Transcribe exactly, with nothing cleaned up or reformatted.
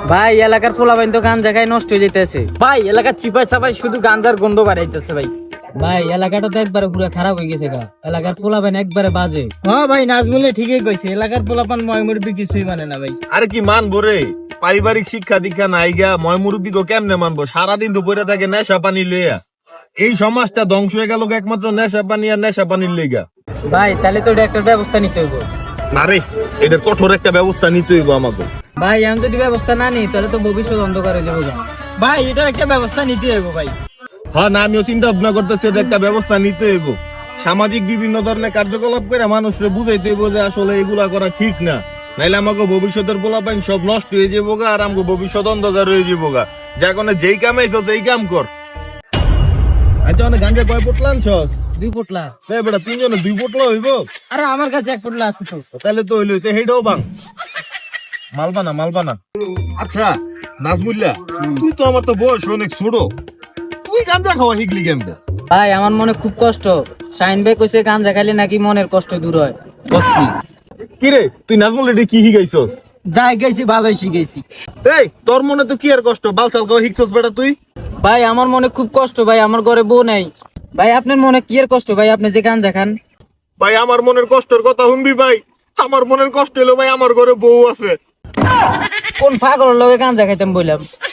ভাই এলাকার পোলাপাইন তো গাঞ্জা খাই নষ্ট হয়ে যেতেছে। ভাই এলাকার চিপাই চাপাই শুধু গাঞ্জার গন্ধ বাড়াইতেছে ভাই। ভাই এলাকাটা তো একবারে পুরো খারাপ হয়ে গেছে গা, এলাকার পোলাপাইন একবারে বাজে। হ্যাঁ ভাই নাজমুলে ঠিকই কইছে, এলাকার পোলাপান ময় মুরব্বি কিছুই মানে না ভাই। আরে কি মানবো রে, পারিবারিক শিক্ষা দীক্ষা নাই গা, ময় মুরব্বী গো কেমনে মানবো? সারাদিন তো পড়ে থাকে নেশা পানি লইয়া। এই সমাজটা ধ্বংস হয়ে গেল একমাত্র নেশা পানি আর নেশা পানির লেগা। ভাই তাহলে তো এটা একটা ব্যবস্থা নিতে হইব। না রে, এটার কঠোর একটা ব্যবস্থা নিতে হইব আমাকে। ভাই আমি যদি ব্যবস্থা না নিই তাহলে তো ভবিষ্যৎ অন্ধকার হয়ে যাবো গা। ভাই এটার একটা ব্যবস্থা নিতে হবে ভাই। হ্যাঁ না, আমিও চিন্তা ভাবনা করতেছি এটা একটা ব্যবস্থা নিতে হইব। সামাজিক বিভিন্ন ধরনের কার্যকলাপ করে মানুষকে বুঝাইতে হইব যে আসলে এগুলা করা ঠিক না, নাইলে আমাকে ভবিষ্যতের পোলাপাইন সব নষ্ট হয়ে যাবো গা, আর আমাকে ভবিষ্যৎ অন্ধকার হয়ে যাবো গা। যা কোনো যেই কামাইছো সেই কাম কর। আচ্ছা অনেক গাঞ্জা কয় পোটলা আনছস? দুই পোটলা। তাই বেটা তিনজনে দুই পোটলা হইব? আরে আমার কাছে এক পোটলা আছে তো। তাহলে তো হইলো, তো হেডাও বাং মালবানা মালবানা। আচ্ছা নাজমুল্লাহ, তুই তো আমার তো বয়স অনেক ছোট, তুই গাঞ্জা খাওয়া শিখলি কেমনে? ভাই আমার মনে খুব কষ্ট, শাইন ভাই কইছে গাঞ্জা খাইলে নাকি মনের কষ্ট দূর হয়। কি রে তুই নাজমুল রেডি কি শিখাইছস? যাই গেছি ভালোই শিখেছি। এই তোর মনে তো কি আর কষ্ট, বালচাল খাওয়া শিখছস বেটা তুই? ভাই আমার মনে খুব কষ্ট ভাই, আমার ঘরে বউ নাই। ভাই আপনার মনে কি আর কষ্ট ভাই, আপনি যে গাঞ্জা খান? ভাই আমার মনের কষ্টের কথা শুনবি ভাই? আমার মনের কষ্ট হলো ভাই আমার ঘরে বউ আছে। কোন পাগলের লগে গাঞ্জা খাইতাম বললাম।